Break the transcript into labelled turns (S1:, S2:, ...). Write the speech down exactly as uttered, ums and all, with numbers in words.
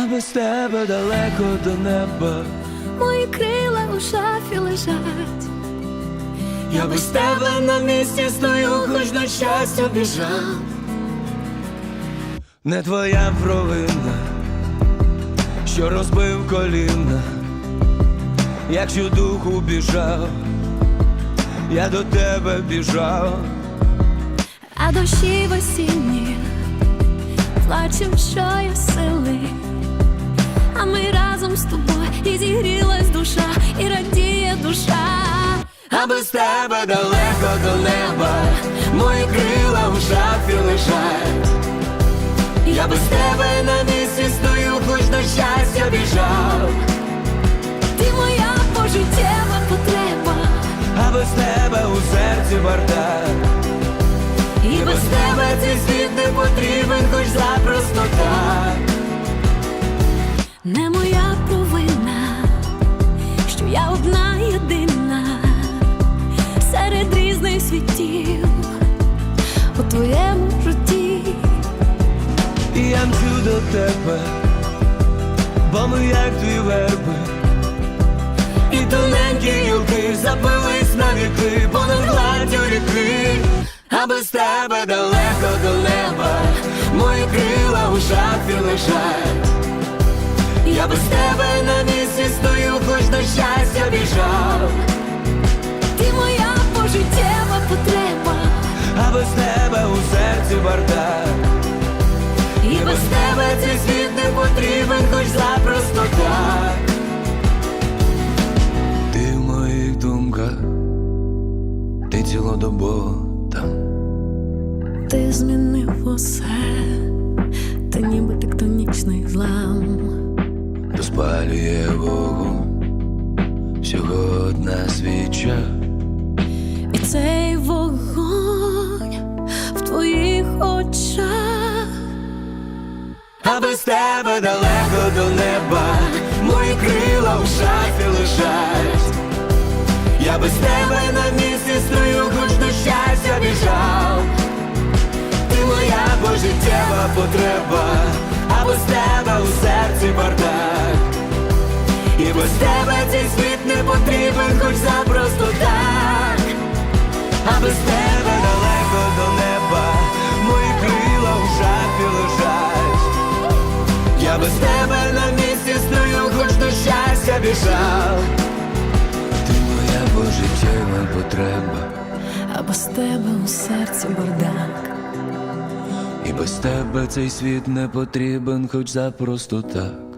S1: а без тебе далеко до неба.
S2: Мої крила у шафі лежать.
S1: Я без тебе на місці стою, хоч на щастя біжав. Не твоя провина, що розбив коліна, якщо духу біжав, я до тебе біжав.
S2: А дощі в осінні плачем, що я сили, а ми разом з тобою, і зігрілась душа, і радіє душа.
S1: А без тебе далеко до неба, мої крила в шафі лежать. Я без тебе на місці стою, хоч на щастя біжав.
S2: Ти моя пожиттєва потреба,
S1: А без тебе у серці бардак.
S2: і без тебе цей світ не потрібен, хоч запросто так. Не моя провина, що я одна єдина серед різних світів у твоєму житті.
S1: І я мчу до тебе, бо ми як дві верби, і тоненькі гілки запились на віки понад гладдю ріки. А без тебе далеко до неба, мої крила у шафі лежать. Я без тебе на місці стою, хоч на щастя біжав.
S2: Ти моя пожиттєва потреба,
S1: А без тебе у серці бардак.
S2: і без тебе цей світ не потрібен, хоч запросто так.
S1: Ти в моїх думках, ти цілодобово там.
S2: Ти змінив усе, ти ніби тектонічний злам.
S1: Розпалює вогонь всього одна свіча.
S2: І цей вогонь в твоїх очах.
S1: А без тебе далеко до неба, мої крила в шафі лежать. Я без тебе на місці стою, хоч до щастя біжав. Ти моя пожиттєва потреба, а без тебе у серці бардак. І без тебе цей світ не потрібен, хоч запросто так. А без тебе далеко до неба, мої крила в шафі лежать. Я без тебе на місці стою, хоч до щастя біжав. Ти моя пожиттєва потреба,
S2: А без тебе у серці бардак.
S1: і без тебе цей світ не потрібен, хоч запросто так.